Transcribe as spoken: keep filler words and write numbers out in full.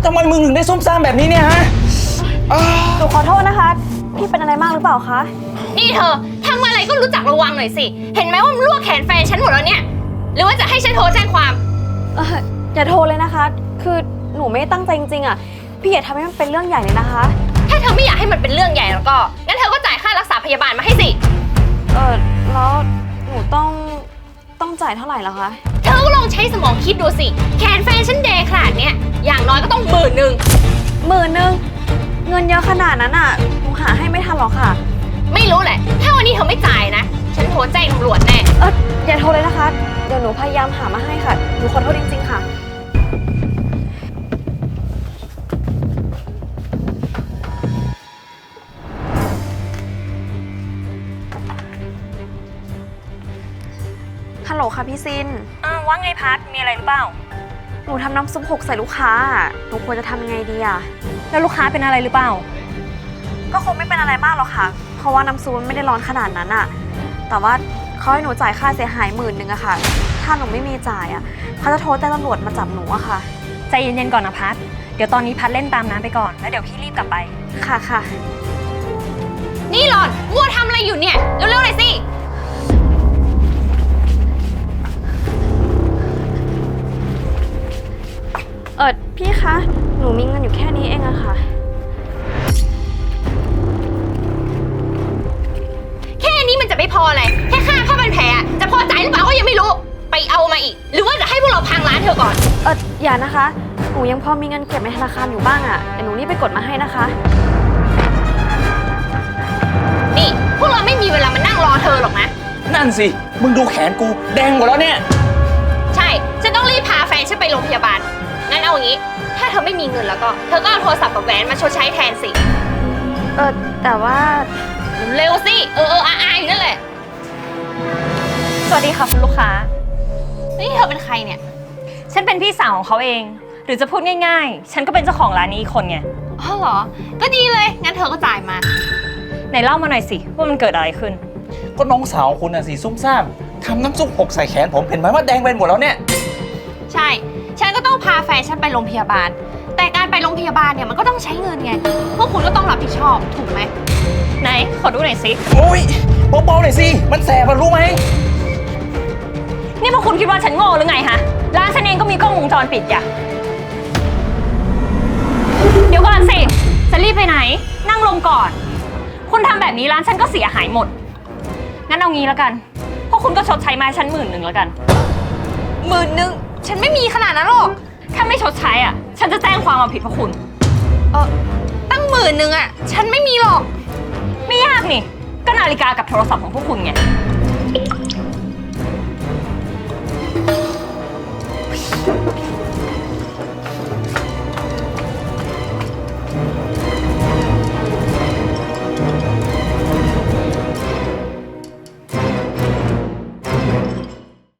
ทำไมมึงถึงได้ซุ่มซ่ามแบบนี้เนี่ยฮะหนูขอโทษนะคะพี่เป็นอะไรมากหรือเปล่าคะนี่เธอทำอะไรก็รู้จักระวังหน่อยสิเห็นไหมว่ามันลวกแขนแฟนฉันหมดแล้วเนี่ยหรือว่าจะให้ฉันโทรแจ้งความเอออย่าโทรเลยนะคะคือหนูไม่ได้ตั้งใจจริงๆอ่ะพี่อย่าทำให้มันเป็นเรื่องใหญ่เลยนะคะถ้าเธอไม่อยากให้มันเป็นเรื่องใหญ่แล้วก็งั้นเธอก็จ่ายค่ารักษาพยาบาลมาให้สิเออแล้วหนูต้องต้องจ่ายเท่าไหร่ล่ะคะเธอก็ลองใช้สมองคิดดูสิแขนแฟนฉันแดงขนาดเนี้ยอย่างน้อยก็ต้องหมื่นหนึ่งหมื่นหนึ่งเงินเยอะขนาดนั้นอ่ะหนูหาให้ไม่ทันหรอกค่ะไม่รู้แหละถ้าวันนี้เธอไม่จ่ายนะฉันโทรแจ้งตำรวจแน่เอออย่าโทรเลยนะคะเดี๋ยวหนูพยายามหามาให้ค่ะหนูขอโทษจริงๆค่ะฮัลโหลค่ะพี่ซินอ้าวว่าไงพัดมีอะไรหรือเปล่าหนูทำน้ำซุปหกใส่ลูกค้าหนูควรจะทำยังไงดีอะแล้วลูกค้าเป็นอะไรหรือเปล่าก็คงไม่เป็นอะไรมากหรอกค่ะเพราะว่าน้ำซุปมันไม่ได้ร้อนขนาดนั้นอะแต่ว่าเขาให้หนูจ่ายค่าเสียหายหมื่นหนึ่งอะค่ะถ้าหนูไม่มีจ่ายอะเขาจะโทรแจ้งตำรวจมาจับหนูอะค่ะใจเย็นๆก่อนนะพัดเดี๋ยวตอนนี้พัดเล่นตามน้ำไปก่อนแล้วเดี๋ยวพี่รีบกลับไปค่ะค่ะนี่หลอนมัวทำอะไรอยู่เนี่ยเร็วๆหน่อยสิเออพี่คะหนูมีเงินอยู่แค่นี้เองอะค่ะแค่นี้มันจะไม่พอเลยแค่ค่าผ้าพันแผลจะพอใจหรือเปล่าก็ยังไม่รู้ไปเอามาอีกหรือว่าจะให้พวกเราพังร้านเธอก่อนเอออย่านะคะหนูยังพอมีเงินเก็บในธนาคารอยู่บ้างอะเดี๋ยวหนูรีบไปกดมาให้นะคะนี่พวกเราไม่มีเวลามานั่งรอเธอหรอกนะนั่นสิมึงดูแขนกูแดงหมดแล้วเนี่ยใช่ฉันต้องรีบพาแฟนฉันไปโรงพยาบาลงั้นเอาอย่างนี้ถ้าเธอไม่มีเงินแล้วก็เธอก็เอาโทรศัพท์กับแหวนมาชดใช้แทนสิเออแต่ว่าเร็วสิเออเอออาอาอยู่นั่นแหละสวัสดีค่ะคุณลูกค้านี่เธอเป็นใครเนี่ยฉันเป็นพี่สาวของเขาเองหรือจะพูดง่ายๆฉันก็เป็นเจ้าของร้านนี้อีกคนไงอ๋อเหรอก็ดีเลยงั้นเธอก็จ่ายมาไหนเล่ามาหน่อยสิว่ามันเกิดอะไรขึ้นก็น้องสาวคุณน่ะสิซุ่มซ่ามทำน้ำซุปหกใส่แขนผมเห็นไหมว่าแดงเป็นหมดแล้วเนี่ยใช่ฉันก็ต้องพาแฟนฉันไปโรงพยาบาลแต่การไปโรงพยาบาลเนี่ยมันก็ต้องใช้เงินไงพวกคุณก็ต้องรับผิดชอบถูกไหมไหนขอดูหน่อยสิโอ้ยเบาๆหน่อยสิมันแสบมันรู้ไหมนี่พวกคุณคิดว่าฉันโง่หรือไงฮะร้านฉันเองก็มีกล้องวงจรปิดอย่าเดี๋ยวก่อนสิจะรีบไปไหนนั่งลงก่อนคุณทำแบบนี้ร้านฉันก็เสียหายหมดงั้นเอางี้แล้วกันพวกคุณก็ชดใช้มาฉันหมื่นหนึ่งแล้วกันหมื่นหนึ่งฉันไม่มีขนาดนั้นหรอกถ้าไม่ชดใช้อ่ะฉันจะแจ้งความเอาผิดพวกคุณเออตั้งหมื่นหนึ่งอ่ะฉันไม่มีหรอกไม่ยากนี่ก็นาฬิกากับโทรศัพท์ของพวกคุณไง